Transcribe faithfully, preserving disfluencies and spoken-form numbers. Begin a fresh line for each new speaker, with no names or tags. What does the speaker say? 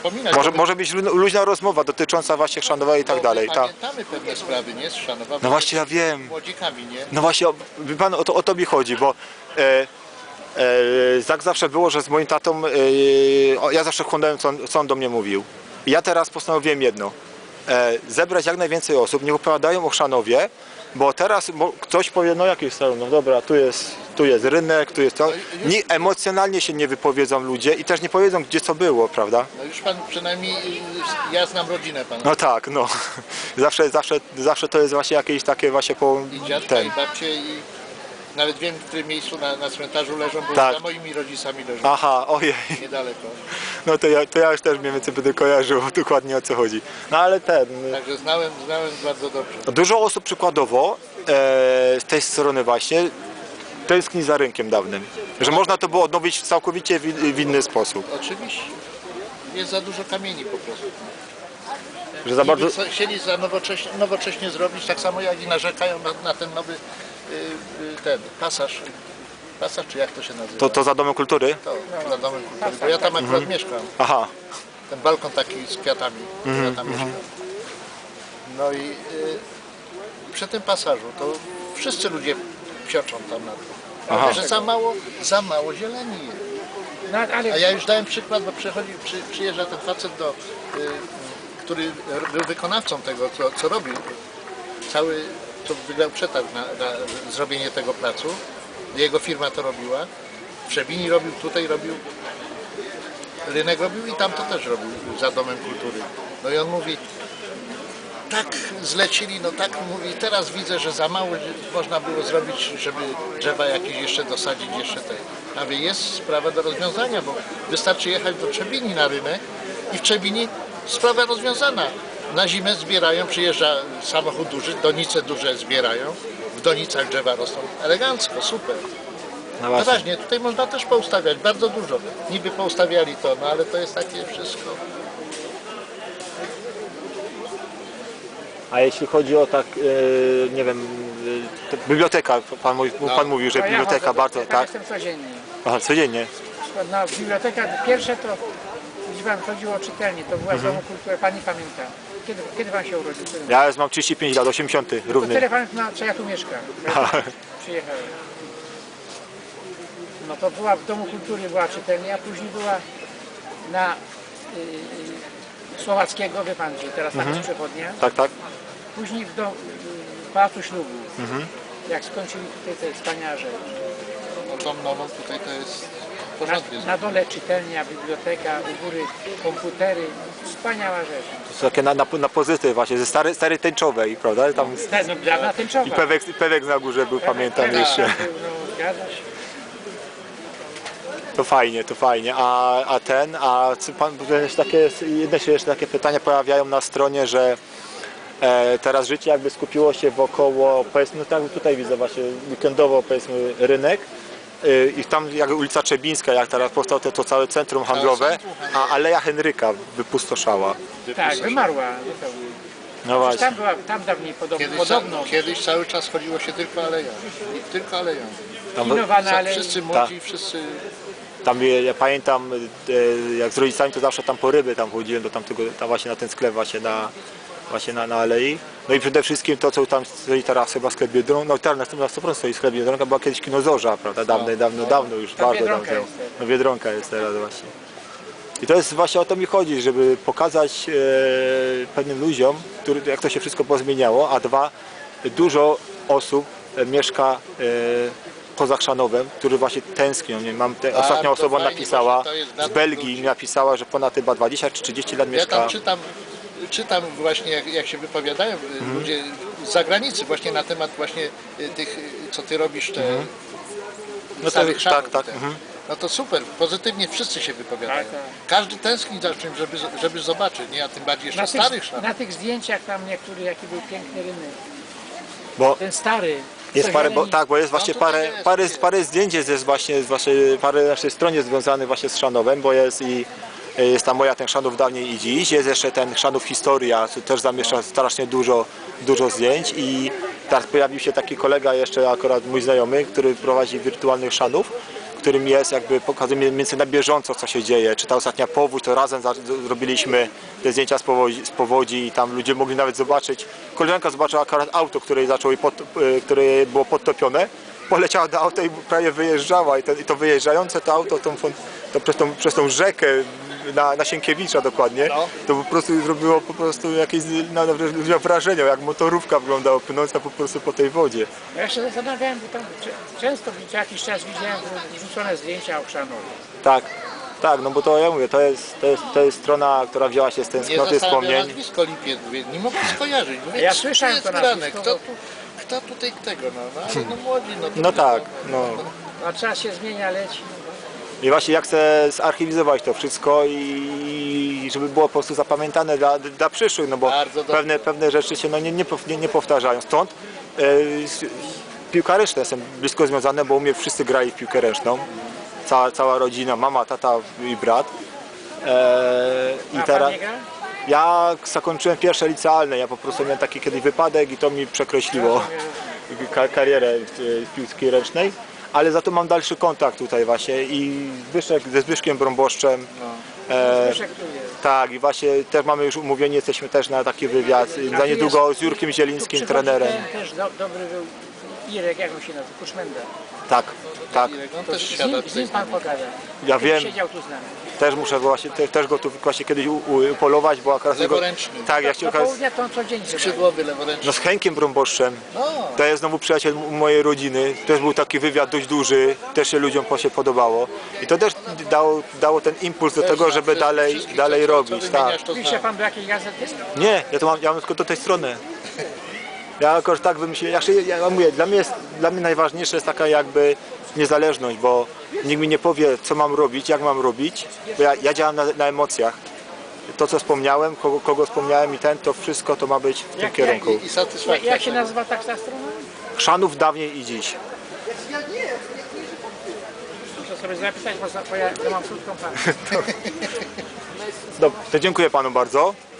wspominać.
Może, może być lu- luźna rozmowa dotycząca właśnie Chrzanowa i tak dalej. Ta.
Pamiętamy pewne sprawy, nie? Z Chrzanowa.
No właśnie ja wiem.
Młodzikami, nie?
No właśnie, o- wie pan, o to, o to mi chodzi, bo e, e, tak zawsze było, że z moim tatą, e, o, ja zawsze chłonąłem, co, on- co on do mnie mówił. I ja teraz postanowiłem jedno, e, zebrać jak najwięcej osób, niech opowiadają o Chrzanowie, bo teraz bo ktoś powie, no jakiś salon, no dobra, tu jest, tu jest rynek, tu jest to. Nie, emocjonalnie się nie wypowiedzą ludzie i też nie powiedzą, gdzie co było, prawda?
No już pan przynajmniej, ja znam rodzinę pana.
No tak, no. Zawsze, zawsze, zawsze to jest właśnie jakieś takie właśnie po
I dziadka,
ten.
i babcie, i nawet wiem, w którym miejscu na, na cmentarzu leżą, bo
Tak.
za moimi rodzicami leżą.
Aha, ojej.
Niedaleko.
No to ja, to ja już też mniej więcej będę kojarzył dokładnie o co chodzi. No ale ten,
Także znałem, znałem bardzo dobrze.
dużo osób przykładowo e, z tej strony właśnie tęskni za rynkiem dawnym. Że można to było odnowić całkowicie w, w inny sposób.
Oczywiście. Jest za dużo kamieni po prostu.
Że za bardzo...
Niby co- chcieli za nowocześnie, nowocześnie zrobić, tak samo jak i narzekają na, na ten nowy y, y, ten pasaż. Pasaż, czy jak to się nazywa?
To, to za Domem Kultury?
To, za domem kultury, bo ja tam akurat mieszkam.
Aha.
Ten balkon taki z kwiatami, ja tam mieszkam. No i y, przy tym pasażu to wszyscy ludzie psioczą tam na to.
Aha.
Że za mało, za mało zieleni jest.
No, ale
A ja już dałem przykład, bo przychodzi, przy, przyjeżdża ten facet, do, y, który był wykonawcą tego, co, co robił. Cały, co wygrał przetarg na, na zrobienie tego placu. Jego firma to robiła. W Trzebini robił, tutaj robił. Rynek robił i tam to też robił, za Domem Kultury. No i on mówi, tak zlecili, no tak mówi, teraz widzę, że za mało można było zrobić, żeby drzewa jakieś jeszcze dosadzić, jeszcze te. A wie, jest sprawa do rozwiązania, bo wystarczy jechać do Trzebini na rynek i w Trzebini sprawa rozwiązana. Na zimę zbierają, przyjeżdża samochód duży, donice duże zbierają, w donicach drzewa rosną. Elegancko, super.
No
No
właśnie.
właśnie, tutaj można też poustawiać, bardzo dużo. Niby poustawiali to, no ale to jest takie wszystko.
A jeśli chodzi o tak, e, nie wiem, e, to biblioteka, pan, mówi- pan mówił, że
no ja
biblioteka
chodzę,
bardzo,
ja
tak?
jestem codziennie.
Aha, codziennie.
No, biblioteka pierwsze to, gdzie pan chodziło o czytelnię, to była z Domu Kultury, pani pamięta. Kiedy, kiedy pan się urodził? Kiedy?
Ja już mam trzydzieści pięć lat, osiemdziesiąty
To
równy.
tyle pan zna, co ja tu mieszkam. Ja tu przyjechałem. No to była w Domu Kultury była czytelnia, a później była na y, Słowackiego, wie pan, że teraz tam jest przechodnia.
Tak, tak.
Później w, dom, w Pałacu Ślubu, jak skończyli tutaj te wspaniałe rzeczy.
No tą nową tutaj to jest porządnie.
Na, na dole czytelnia, biblioteka, u góry komputery, wspaniała rzecz.
To są takie na, na, na pozytyw właśnie, ze stary, stary tęczowej, prawda? Tam jest,
Tak, no, dawna tęczowa.
i pewek, pewek na górze był, pamiętam jeszcze.
No, zgadza się.
To fajnie, to fajnie. A, a ten, a co pan, jeszcze takie, jedne się jeszcze takie pytania pojawiają na stronie, że e, teraz życie jakby skupiło się wokoło, powiedzmy, no tak tutaj widzę właśnie weekendowo, powiedzmy, rynek. e, I tam jak ulica Trzebińska, jak teraz powstało to, to całe centrum handlowe, a Aleja Henryka wypustoszała.
Tak, wymarła. zupełnie.
No właśnie.
Tam była, tam dawniej podobno.
Kiedyś,
podobno
kiedyś cały czas chodziło się tylko aleją. I tylko aleją.
Tam,
Innowana, ale
Wszyscy młodzi, wszyscy...
tam ja pamiętam, e, jak z rodzicami to zawsze tam po ryby tam chodziłem do tamtego, tam właśnie na ten sklep właśnie na, właśnie na, na Alei. No i przede wszystkim to, co tam stoi teraz chyba sklep Biedronka, no teraz na sto procent stoi sklep Biedronka, była kiedyś kino Zorza, prawda, dawno, dawno, dawno już,
Tam
bardzo
Biedronka
dawno.
jest teraz.
No Biedronka jest teraz właśnie. I to jest właśnie o to mi chodzi, żeby pokazać e, pewnym ludziom, który, jak to się wszystko pozmieniało, a dwa, dużo osób e, mieszka e, poza Chrzanowem, którzy właśnie tęsknią. Nie, mam te,
Bardzo
ostatnia osoba
fajnie,
napisała
właśnie to jest dla
z
tych
Belgii,
ludzi.
napisała, że ponad chyba dwadzieścia czy trzydzieści lat
Ja
mieszka.
tam czytam, czytam właśnie jak, jak się wypowiadają
Mhm.
ludzie z zagranicy właśnie na temat właśnie y, tych, y, co ty robisz, te
Mhm. No to-
starych
tak,
szafów,
tak,
te.
mhm.
No to super, pozytywnie wszyscy się wypowiadają.
Tak, tak.
Każdy tęskni za czymś, żeby, żeby zobaczyć, nie? A tym bardziej jeszcze
na tych,
starych szafów.
na tych zdjęciach tam niektóry, jaki był piękny rynek.
Bo
Ten stary.
jest
co
parę, bo,
zieleni-
tak, bo jest właśnie
tutaj
parę,
jest,
parę,
jest.
parę zdjęć jest właśnie, z waszej, parę naszej stronie związanych właśnie z Chrzanowem, bo jest i jest tam moja ten Chrzanów dawniej i dziś, jest jeszcze ten Chrzanów Historia, co też zamieszcza strasznie dużo, dużo zdjęć i teraz pojawił się taki kolega jeszcze akurat mój znajomy, który prowadzi wirtualnych Chrzanów, którym jest, jakby pokazuje mniej więcej na bieżąco, co się dzieje. Czy ta ostatnia powódź, to razem za, zrobiliśmy te zdjęcia z powodzi, z powodzi i tam ludzie mogli nawet zobaczyć. Koleżanka zobaczyła akurat auto, które, zaczęło jej pod, które było podtopione, poleciała do auta i prawie wyjeżdżała i, ten, i to wyjeżdżające to auto tą, to przez, tą, przez tą rzekę na, na Sienkiewicza dokładnie,
No.
to po prostu zrobiło po prostu jakieś na, na, ludziom wrażenie, jak motorówka wyglądała płynąca po prostu po tej wodzie.
Ja się zastanawiałem, bo tam cze- często co jakiś czas widziałem wrzucone zdjęcia Ochrzanowi.
Tak, tak, no bo to ja mówię, to jest, to jest, to jest strona, która wzięła się z
Nie
tęsknoty
zastanawiam
wspomnień.
nazwisko Lipiec, mówię, nie mogę skojarzyć. Mówię,
Ja
co
słyszałem
jest
to
grane?
nazwisko,
Kto,
bo-
tu, kto tutaj tego, no, no ale no młodzi, no to
No tak, no.
A czas się zmienia, leci.
I właśnie ja chcę zarchiwizować to wszystko i żeby było po prostu zapamiętane dla, dla przyszłych, no bo
Bardzo dobrze.
pewne, pewne rzeczy się no, nie, nie, pow- nie, nie powtarzają. Stąd e, s- piłka ręczna jestem blisko związany, bo u mnie wszyscy grali w piłkę ręczną. Cała, cała rodzina, mama, tata i brat. E, I
A
teraz
pan nie gra?
ja zakończyłem pierwsze licealne, ja po prostu miałem taki kiedyś wypadek i to mi przekreśliło ka- karierę w w piłce ręcznej. Ale za to mam dalszy kontakt tutaj właśnie i Zbyszek, ze Zbyszkiem Brąboszczem. E,
Zbyszek tu jest.
tak, i właśnie też mamy już umówieni, jesteśmy też na taki wywiad za niedługo z Jurkiem Zielińskim,
Tu
trenerem.
przychodzi ten Też do, dobry był Irek, jak on się nazywa, Kuszmenda.
Tak, tak.
on
To
też
z,
siada
nim, z
tutaj
nim
z
pan
nami.
pogada.
Ja
Kiedyś
wiem.
Siedział tu z nami.
Też muszę właśnie, te, też go tu właśnie kiedyś u, u, upolować, bo akurat...
Leworęczny.
Tak, ja
Do
chciałem...
południa to on codziennie chyba.
Skrzydłowy, leworęczny.
No z Henkiem Brąboszczem.
No,
To jest znowu przyjaciel m- mojej rodziny. Też był taki wywiad dość duży, też się ludziom po- się podobało. I to też dało, dało ten impuls do tego, żeby
Wszystkich,
dalej,
wszystkich,
dalej
co- co
robić. Tak.
wymieniasz, to
Pisze
znam.
pan do jakiej gazety?
Nie, ja to mam, ja mam tylko do tej strony. Ja jakoś tak wymyśliłem, ja, się- ja mówię, dla mnie, jest, dla mnie najważniejsze jest taka jakby niezależność, bo nikt mi nie powie, co mam robić, jak mam robić, bo ja, ja działam na, na emocjach. To, co wspomniałem, kogo, kogo wspomniałem i ten, to wszystko to ma być w tym
Jak-
kierunku.
I, i
Jak,
satysfakcja.
jak się nazywa tak ta strona?
Chrzanów dawniej i dziś.
Muszę sobie zapisać, bo, za- bo ja, ja mam krótką pamięć.
Dobrze, to dziękuję panu bardzo.